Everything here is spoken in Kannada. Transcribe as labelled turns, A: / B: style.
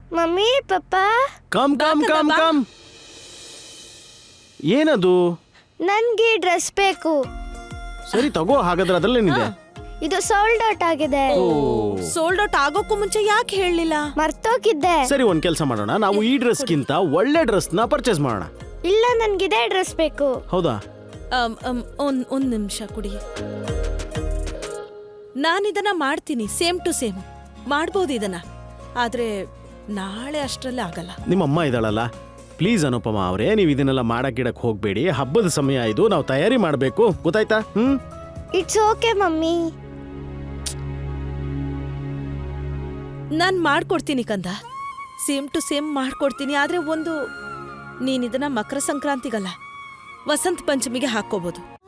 A: Mummy papa
B: come come come come ಏನದು?
A: ನನ್ಗೆ ಡ್ರೆಸ್ ಬೇಕು.
B: ಸರಿ ತಗೋ, ಹಾಗಾದ್ರೆ ಅದ್ರಲ್ಲೇನಿದೆ?
A: ಇದು ಸೋಲ್ಡ್ ಔಟ್ ಆಗಿದೆ.
C: ಸೋಲ್ಡ್ ಔಟ್ ಆಗೋಕ್ಕೂ ಮುಂಚೆ ಯಾಕೆ ಹೇಳಲಿಲ್ಲ?
A: ಮರ್ತೋಗಿದ್ದೆ.
B: ಸರಿ, ಒಂದ್ ಕೆಲಸ ಮಾಡೋಣ, ನಾವು ಈ ಡ್ರೆಸ್ಗಿಂತ ಒಳ್ಳೆ ಡ್ರೆಸ್ ನ ಪರ್ಚೇಸ್ ಮಾಡೋಣ.
A: ಇಲ್ಲ, ನನ್ಗಿದೇ ಡ್ರೆಸ್ ಬೇಕು.
B: ಹೌದಾ?
C: ಒಂದ್ ನಿಮಿಷ ಕುಡಿ. ನಾನಿದನ್ನ ಮಾಡ್ತೀನಿ, ಸೇಮ್ ಟು ಸೇಮ್ ಮಾಡ್ಬೋದು ಇದನ್ನ. ಆದ್ರೆ ನಾಳೆ ಅಷ್ಟ್ರಲ್ಲಿ ಆಗಲ್ಲ.
B: ನಿಮ್ಮ ಅಮ್ಮ ಇದ್ದಾಳಲ್ಲ, ಪ್ಲೀಸ್ ಅನುಪಮ ಅವರೇ, ನೀವು ಇದನ್ನೆಲ್ಲ ಮಾಡಕ್ಕಿಡಕ್ ಹೋಗ್ಬೇಡಿ. ಹಬ್ಬದ ಸಮಯ ಇದು, ನಾವು ತಯಾರಿ ಮಾಡ್ಬೇಕು, ಗೊತ್ತಾಯ್ತಾ?
A: It's okay mummy.
C: ನಾನ್ ಮಾಡ್ಕೊಡ್ತೀನಿ ಕಂದ, ಸೇಮ್ ಟು ಸೇಮ್ ಮಾಡ್ಕೊಡ್ತೀನಿ. ಆದ್ರೆ ಒಂದು, ನೀನಿದನ್ನ ಮಕರ ಸಂಕ್ರಾಂತಿಗಲ್ಲ, ವಸಂತ ಪಂಚಮಿಗೆ ಹಾಕೋಬಹುದು.